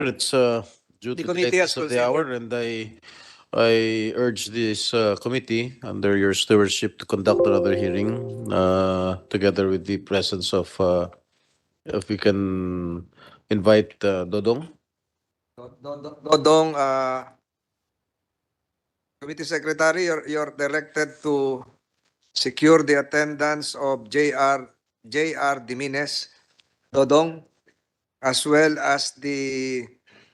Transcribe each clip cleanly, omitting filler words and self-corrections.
It's due The to the committee has lateness of the hour, and I urge this committee under your stewardship to conduct another hearing together with the presence of, if we can invite Dodong. Dodong, Committee Secretary, you're directed to secure the attendance of J.R. Dimines, Dodong, as well as the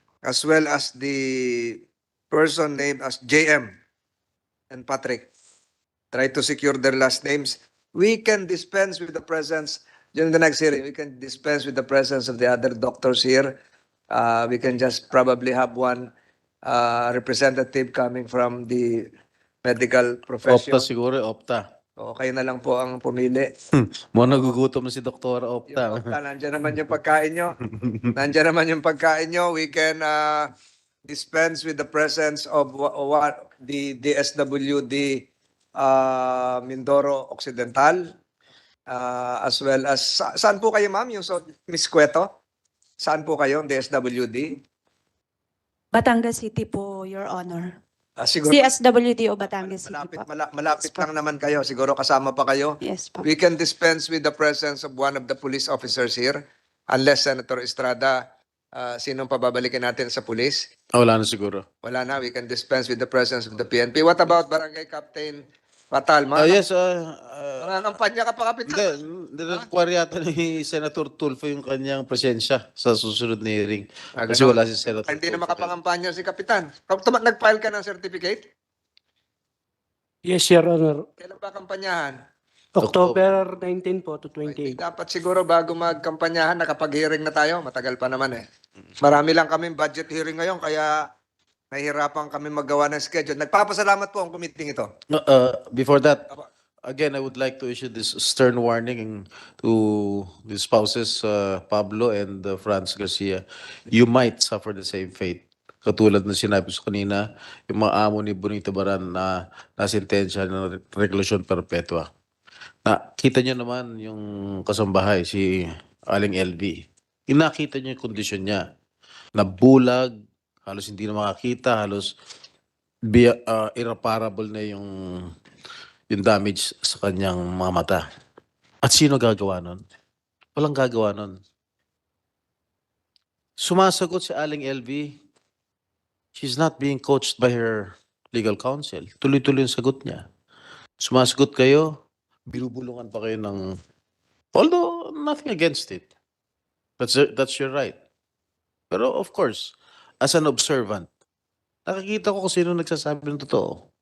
person named as JM and Patrick. Try to secure their last names. We can dispense with the presence during the next hearing. We can dispense with the presence of the other doctors here. We can just probably have one representative coming from the medical profession. Opta siguro, Opta. O, kayo na lang po ang pumili. Mo nagugutom na si Doktora Opta. Yung Opta, nandiyan naman yung pagkain nyo. Nandiyan naman yung pagkain nyo. We can dispense with the presence of the DSWD Mindoro Occidental, as well as, saan po kayo ma'am? Yung Miss Cueto? Saan po kayo, DSWD? Batangas City po, Your Honor. Siguro, CSWD o Batangas City po. malapit lang naman kayo. Siguro kasama pa kayo. Yes po. We can dispense with the presence of one of the police officers here, unless Senator Estrada, sinong pababalikin natin sa police? Wala na siguro. Wala na, we can dispense with the presence of the PNP. What about Barangay Captain Fatal? Yes, Nangangampanya ka pa, Kapitan. hindi require yata ni Senator Tulfo yung kanyang presensya sa susunod na hearing. Kasi ganun. wala si Senator Hindi na Tulfo. makapangampanya si Kapitan. Nag-file ka ng certificate? Yes, Your Honor. Kailan ba kampanyahan? October 19 po to Ay, 28. dapat siguro bago magkampanyahan, nakapag-hearing na tayo. Matagal pa naman eh. Marami lang kaming budget hearing ngayon, kaya nahihirapan kami magawa ng schedule. Nagpapasalamat po ang committee ito. Before that, again, I would like to issue this stern warning to the spouses, Pablo and Franz Garcia. You might suffer the same fate. Katulad na sinabi ko kanina, yung mga amo ni Bonito Baran na nasintensya ng regulasyon perpetua. Nakita nyo naman yung kasambahay, si Aling LV. Inakita nyo yung kondisyon niya. Nabulag, halos hindi na makakita, halos irreparable na yung damage sa kanyang mga mata. At sino gagawa nun? Walang gagawa nun. Sumasagot si Aling LV. She's not being coached by her legal counsel. Tuloy-tuloy yung sagot niya. Sumasagot kayo, binubulungan pa kayo ng... Although, nothing against it. That's your right. Pero of course, as an observant, nakikita ko kung sino nagsasabi ng totoo.